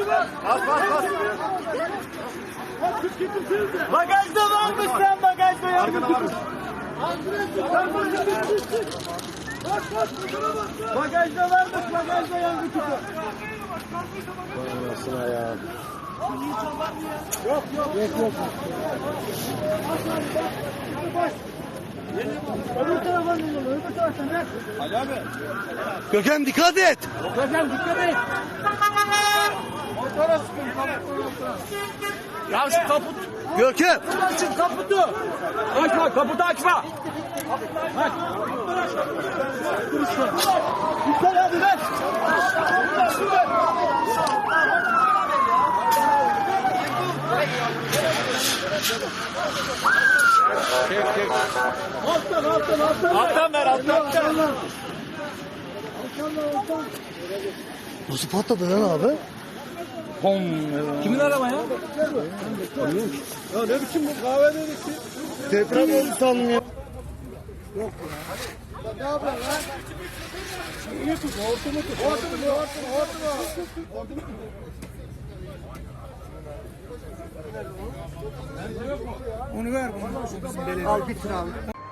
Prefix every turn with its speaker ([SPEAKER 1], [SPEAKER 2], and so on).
[SPEAKER 1] Bas bas bas.
[SPEAKER 2] Bagajda varmış sen bagajda ya.
[SPEAKER 1] Arkada varmış.
[SPEAKER 2] Bagajda varmış bagajda yangın çıktı.
[SPEAKER 3] Anasına ya.
[SPEAKER 2] Yok. Öbür tarafa dönüyor, öbür taraftan ver.
[SPEAKER 1] Ali abi.
[SPEAKER 3] Görkem dikkat et.
[SPEAKER 2] Hocam dikkat et.
[SPEAKER 1] Motora sıkın.
[SPEAKER 2] Ya şu kaput.
[SPEAKER 3] Görkem.
[SPEAKER 2] Açın kaputu. Açma kaputu açma. Aç. Dikkat hadi ver.
[SPEAKER 1] Çek.
[SPEAKER 2] Alttan.
[SPEAKER 1] Alttan ver alttan.
[SPEAKER 3] Nasıl patladı lan abi?
[SPEAKER 2] Kimin araba ya?
[SPEAKER 1] Ya ne biçim bu kahve dedik ki?
[SPEAKER 3] Deprem oldu sandım ya.
[SPEAKER 1] Ne yapıyorsun lan? İyi tut, hortumu tut. Hortumu.
[SPEAKER 2] Onu ver. Al bitir abi.